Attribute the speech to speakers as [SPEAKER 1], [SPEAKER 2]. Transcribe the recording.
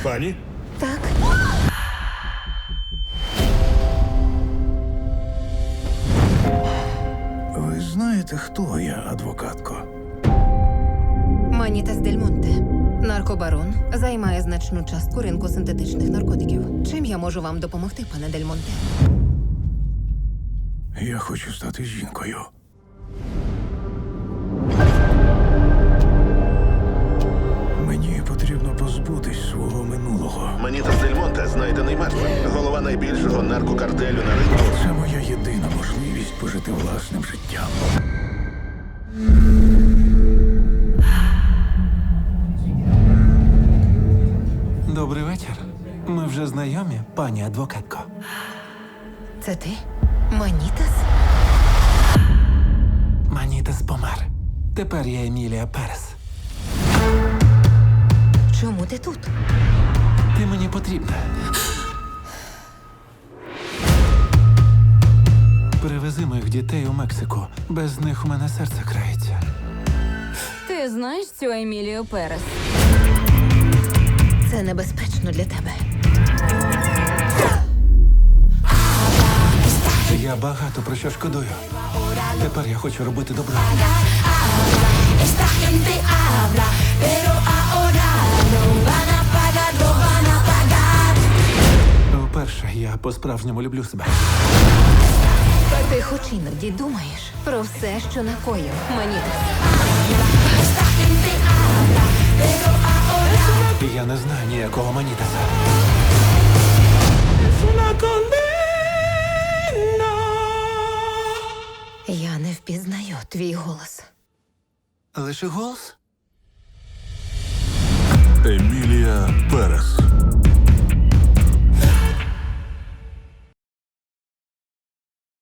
[SPEAKER 1] Пані?
[SPEAKER 2] Так.
[SPEAKER 3] Ви знаєте, хто я, адвокатко?
[SPEAKER 2] Манітас Дель Монте. Наркобарон займає значну частку ринку синтетичних наркотиків. Чим я можу вам допомогти, пане Дель Монте?
[SPEAKER 3] Я хочу стати жінкою. Мені потрібно позбутись свого минулого.
[SPEAKER 4] Манітас Дель Монте знайдений мертвим. Голова найбільшого наркокартелю на ринку.
[SPEAKER 3] Це моя єдина можливість пожити власним життям.
[SPEAKER 5] Добрий вечір. Ми вже знайомі, пані адвокатко.
[SPEAKER 2] Це ти? Манітас?
[SPEAKER 5] Манітас помер. Тепер я Емілія Перес.
[SPEAKER 2] Чому ти тут?
[SPEAKER 5] Ти мені потрібна. Привези моїх дітей у Мексику. Без них у мене серце крається.
[SPEAKER 6] Ти знаєш цю Емілію Перес?
[SPEAKER 2] Це небезпечно для тебе.
[SPEAKER 5] Я багато про що шкодую. Тепер я хочу робити добро.
[SPEAKER 7] Esta gente habla, pero ahora no van a pagar, no van a pagar.
[SPEAKER 5] Вперше я по-справжньому люблю себе.
[SPEAKER 2] Ти хоч іноді думаєш про все, що накоїв, Манітас.
[SPEAKER 7] Esta gente habla, pero ahora
[SPEAKER 5] Я не знаю ніякого Манітаса.
[SPEAKER 2] Я не впізнаю твій голос.
[SPEAKER 5] Лише голос?